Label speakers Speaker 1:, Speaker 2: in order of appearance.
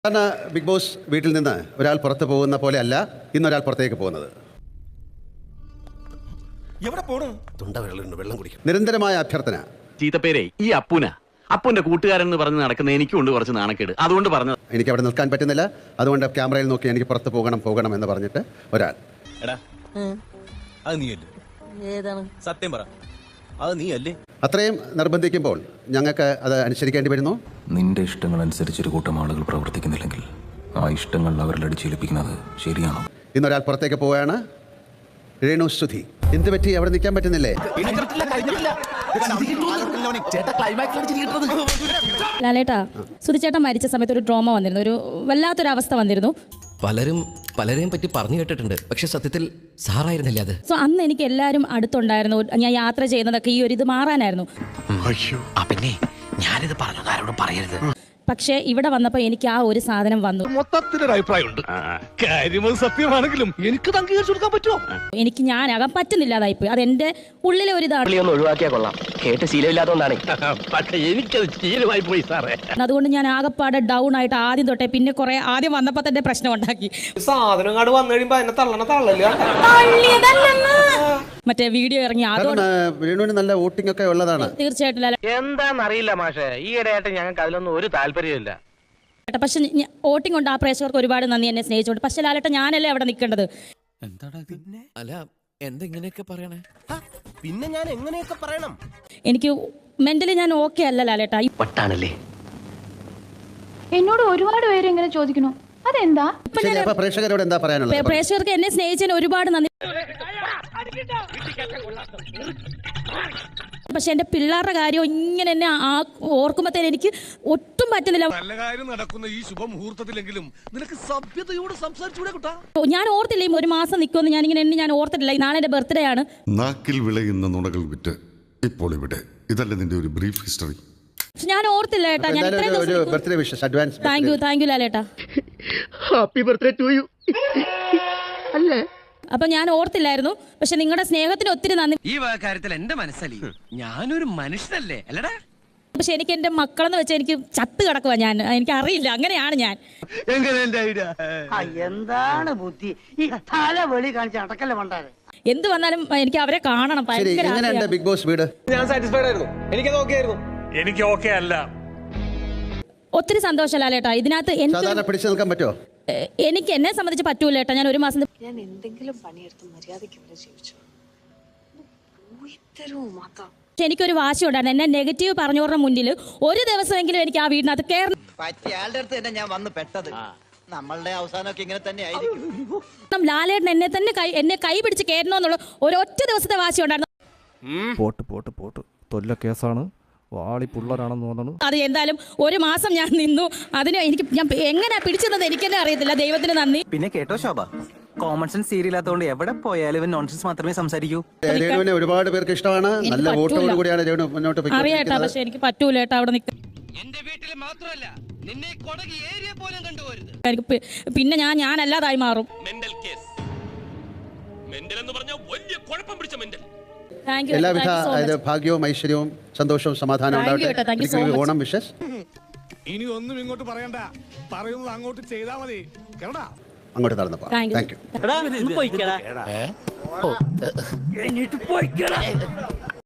Speaker 1: സാധാരണ big boss വീട്ടിൽ നിന്ന് ഒരാൾ പുറത്തു പോകുന്ന പോലെ അല്ല ഇന്നൊരാൾ പുറത്തേക്ക് പോകുന്നത്. നിരന്തരമായ അഭ്യർത്ഥന.
Speaker 2: ചീത്തപ്പേരെ ഈ അപ്പുന്റെ കൂട്ടുകാരൻ എന്ന് പറഞ്ഞ് നടക്കുന്ന എനിക്കുണ്ട് കുറച്ച് നാണക്കേട്. അതുകൊണ്ട് പറഞ്ഞു
Speaker 1: എനിക്ക് അവിടെ നിൽക്കാൻ പറ്റുന്നില്ല, അതുകൊണ്ട് ക്യാമറയിൽ നോക്കി എനിക്ക് പുറത്ത് പോകണം എന്ന് പറഞ്ഞിട്ട് ഒരാൾ.
Speaker 3: സത്യം പറ, അത് നീ അല്ലേ?
Speaker 1: അത്രയും നിർബന്ധിക്കുമ്പോൾ ഞങ്ങൾക്ക് അത് അനുസരിക്കേണ്ടി വരുന്നു.
Speaker 4: നിന്റെ ഇഷ്ടങ്ങൾ അനുസരിച്ച് ഒരു കൂട്ടം ആളുകൾ പ്രവർത്തിക്കുന്നില്ലെങ്കിൽ ആ ഇഷ്ടങ്ങൾ അവരിൽ അടിച്ചേൽപ്പിക്കുന്നത് ശരിയാണോ?
Speaker 1: ഇന്നൊരാൾ പുറത്തേക്ക് പോവുകയാണ്. രേണു സുധി. എന്ത് പറ്റി? അവിടെ നിൽക്കാൻ പറ്റുന്നില്ലേ?
Speaker 5: ലാലേട്ടാ, സുധിച്ചേട്ടൻ മരിച്ച സമയത്ത് ഒരു ട്രോമ വന്നിരുന്നു, ഒരു വല്ലാത്തൊരു അവസ്ഥ വന്നിരുന്നു.
Speaker 6: പലരെയും പറ്റി പറഞ്ഞു കേട്ടിട്ടുണ്ട്, പക്ഷെ സത്യത്തിൽ സാറായിരുന്നില്ല അത്.
Speaker 5: സോ അന്ന് എനിക്ക് എല്ലാവരും അടുത്തുണ്ടായിരുന്നു. ഞാൻ യാത്ര ചെയ്യുന്നതൊക്കെ ഈ ഒരു ഇത് മാറാനായിരുന്നു.
Speaker 6: പിന്നെ ഞാനിത് പറഞ്ഞു, ആരോടും പറയരുത്.
Speaker 5: പക്ഷേ ഇവിടെ വന്നപ്പോൾ എനിക്ക് ആ ഒരു സാധനം വന്നു.
Speaker 7: മൊത്തത്തിലൊരു അഭിപ്രായമുണ്ട്. കാര്യം സത്യമാണെങ്കിലും എനിക്ക് അംഗീകരിച്ചു കൊടുക്കാൻ പറ്റുമോ?
Speaker 5: എനിക്ക് ഞാനാകാൻ പറ്റുന്നില്ലാതായിപ്പോയി. അതെന്റെ ഉള്ളിലെ ഒരു ഇതാണ്.
Speaker 6: ഒഴിവാക്കിയാ കൊള്ളാം, കേട്ട് ശീലമില്ലാത്തതുകൊണ്ടാണ്.
Speaker 7: പക്ഷെ എനിക്കത് ശീലമായി പോയി സാറേ.
Speaker 5: അതുകൊണ്ട് ഞാൻ ആകെപ്പാടെ ഡൗൺ ആയിട്ട് ആദ്യം തൊട്ടേ പിന്നെ കുറെ ആദ്യം വന്നപ്പോ തന്നെ പ്രശ്നം ഉണ്ടാക്കി.
Speaker 3: സാധനം കാട് വന്നു കഴിയുമ്പോ എന്നെ തള്ളല്ല.
Speaker 5: മറ്റേ വീഡിയോ ഇറങ്ങി
Speaker 1: രേണുവിന് നല്ല വോട്ടിംഗ് ഒക്കെ ഉള്ളതാണ്.
Speaker 5: തീർച്ചയായിട്ടും
Speaker 3: എന്താന്നറിയില്ല മാഷെ, ഈയിടെയായിട്ട് ഞങ്ങൾക്ക് അതിലൊന്നും ഒരു താല്പര്യമില്ല.
Speaker 5: പക്ഷെ വോട്ടിംഗ് കൊണ്ട് ആ പ്രേക്ഷകർക്ക് ഒരുപാട് നന്ദി, എന്നെ സ്നേഹിച്ചോണ്ട്. പക്ഷെ ലാലേട്ട ഞാനല്ലേ അവിടെ നിൽക്കേണ്ടത്.
Speaker 6: അല്ല, എന്തെങ്ങനെയൊക്കെ പറയണേ?
Speaker 3: പിന്നെ ഞാൻ എങ്ങനെയൊക്കെ പറയണം?
Speaker 5: എനിക്ക് മെന്റലി ഞാൻ ഓക്കെ അല്ല ലാലേട്ട.
Speaker 6: വട്ടാണല്ലേ?
Speaker 8: എന്നോട് ഒരുപാട് പേര് എങ്ങനെ ചോദിക്കണു, അതെന്താ?
Speaker 1: പ്രേക്ഷകരോട് എന്താ പറയാനുള്ളത്?
Speaker 5: പ്രേക്ഷകർക്ക് എന്നെ സ്നേഹിച്ചതിന് ഒരുപാട് നന്ദി. പക്ഷെ എന്റെ പിള്ളേരുടെ കാര്യം ഇങ്ങനെ എന്നെ ഓർക്കുമ്പോഴത്തേന് എനിക്ക് ഒട്ടും പറ്റുന്നില്ല.
Speaker 7: നല്ല കാര്യം നടക്കുന്ന ഈ ശുഭമുഹൂർത്തത്തിലെങ്കിലും നിനക്ക് സഭ്യതയോട് സംസാരിച്ചൂടെ കുട്ടാ?
Speaker 5: ഞാൻ ഓർത്തില്ല ഈ ഒരു മാസം നിൽക്കുമെന്ന്. ഞാൻ ഓർത്തിട്ടില്ല. നാളെ എന്റെ ബർത്ത്ഡേ ആണ്.
Speaker 9: നാക്കിൽ വിളയുന്ന നുണകൾ വിറ്റ് ഇപ്പോൾ ഇവിടെ. ഇതല്ല നിന്റെ ഒരു ബ്രീഫ് ഹിസ്റ്ററി.
Speaker 5: ഞാൻ ഓർത്തില്ല ഏട്ടാ. ഞാൻ താങ്ക് യു ലാലേട്ടാ.
Speaker 7: Happy birthday to you.
Speaker 5: അല്ലേ? അപ്പൊ ഞാൻ ഓർത്തില്ലായിരുന്നു. പക്ഷെ നിങ്ങളുടെ സ്നേഹത്തിന് ഒത്തിരി നന്ദി.
Speaker 6: ഈ കാര്യത്തിൽ എന്റെ മനസ്സല്ലേ, ഞാനൊരു മനുഷ്യനല്ലേ അല്ലടാ.
Speaker 5: പക്ഷെ എനിക്ക് എന്റെ മക്കളെന്ന് വെച്ചാൽ എനിക്ക് ചത്ത് കിടക്കുക. എനിക്ക് അറിയില്ല, അങ്ങനെയാണ് ഞാൻ.
Speaker 10: എന്താണ് ബുദ്ധി ഈ തലവെളി കാണിച്ച അടക്കല്ലേ മണ്ടാരെ?
Speaker 5: എന്ത് വന്നാലും എനിക്ക് അവരെ കാണണം.
Speaker 1: ബിഗ് ബോസ് വീട്
Speaker 3: ഞാൻ സാറ്റിസ്ഫൈഡ് ആയിരുന്നു. എനിക്കത് ഓക്കെ ആയിരുന്നു.
Speaker 7: എനിക്ക് ഓക്കെ അല്ല.
Speaker 5: ഒത്തിരി സന്തോഷം ലാലേട്ടാ. ഇതിനകത്ത്
Speaker 1: പിടിച്ചു നിൽക്കാൻ പറ്റുമോ?
Speaker 5: എനിക്ക് എന്നെ സംബന്ധിച്ച് പറ്റൂല ഏട്ടാ. ഞാൻ ഒരു മാസം
Speaker 8: ഞാൻ എന്തെങ്കിലും പണിയെടുത്ത് മര്യാദയ്ക്ക് ഇവിടെ ജീവിച്ചു.
Speaker 5: എനിക്കൊരു വാശി ഉണ്ടായിരുന്നു. എന്നെ നെഗറ്റീവ് പറഞ്ഞവരുടെ മുന്നിൽ ഒരു ദിവസമെങ്കിലും എനിക്ക് ആ വീടിനകത്ത് കയറണം.
Speaker 10: പറ്റിയാളുടെ അടുത്ത് തന്നെ ഞാൻ വന്ന് പെട്ടത്. നമ്മളുടെ അവസാനമൊക്കെ ഇങ്ങനെ തന്നെ ആയിരിക്കും.
Speaker 5: ലാലേട്ടൻ എന്നെ കൈ പിടിച്ച് കയറണമെന്നുള്ള ഒരൊറ്റ ദിവസത്തെ വാശി ഉണ്ടായിരുന്നു.
Speaker 11: പോട്ട് തൊല്ല കേസാണ്, വാളി പുള്ളരാണെന്ന് തോന്നുന്നു.
Speaker 5: അത് എന്തായാലും ഒരു മാസം ഞാൻ നിന്നു. അതിന് ഞാൻ എങ്ങനെ പിടിച്ചത് എനിക്കെന്നെ അറിയത്തില്ല. ദൈവത്തിന് നന്ദി.
Speaker 10: പിന്നെ കേട്ടോ ശോഭ, കോമൺ സെൻസ് സീരിയലാത്തോണ്ട് എവിടെ പോയാലും നോൺസെൻസ് മാത്രമേ സംസാരിക്കൂ.
Speaker 1: രേണുവിനെ ഒരുപാട് പേർക്ക് ഇഷ്ടമാണ്. നല്ല വോട്ടോട് കൂടിയാണ് രേണു മുന്നോട്ട്
Speaker 5: അറിയാട്ടാ. പക്ഷെ എനിക്ക് പറ്റൂല ഏട്ടാ അവിടെ നിൽക്കാൻ.
Speaker 6: എന്റെ വീട്ടിൽ മാത്രമല്ല, നിന്നെ കൊടകി ഏരിയ പോലും കണ്ടുപോരുത്.
Speaker 5: എനിക്ക് പിന്നെ ഞാനല്ലാതായി മാറും.
Speaker 7: Mental case. മെന്റൽ എന്ന് പറഞ്ഞാൽ വലിയ കുഴപ്പം പിടിച്ച മെന്റൽ.
Speaker 1: എല്ലാവിധ ഭാഗ്യവും ഐശ്വര്യവും സന്തോഷവും സമാധാനവും ഉണ്ടാവട്ടെ. ഓണം വിഷസ്.
Speaker 7: ഇനി ഒന്നും ഇങ്ങോട്ട് പറയണ്ട, പറയുന്നത് അങ്ങോട്ട് ചെയ്താൽ മതി. കേരടാ,
Speaker 1: അങ്ങോട്ട് നടന്നപ്പോ താങ്ക് യു.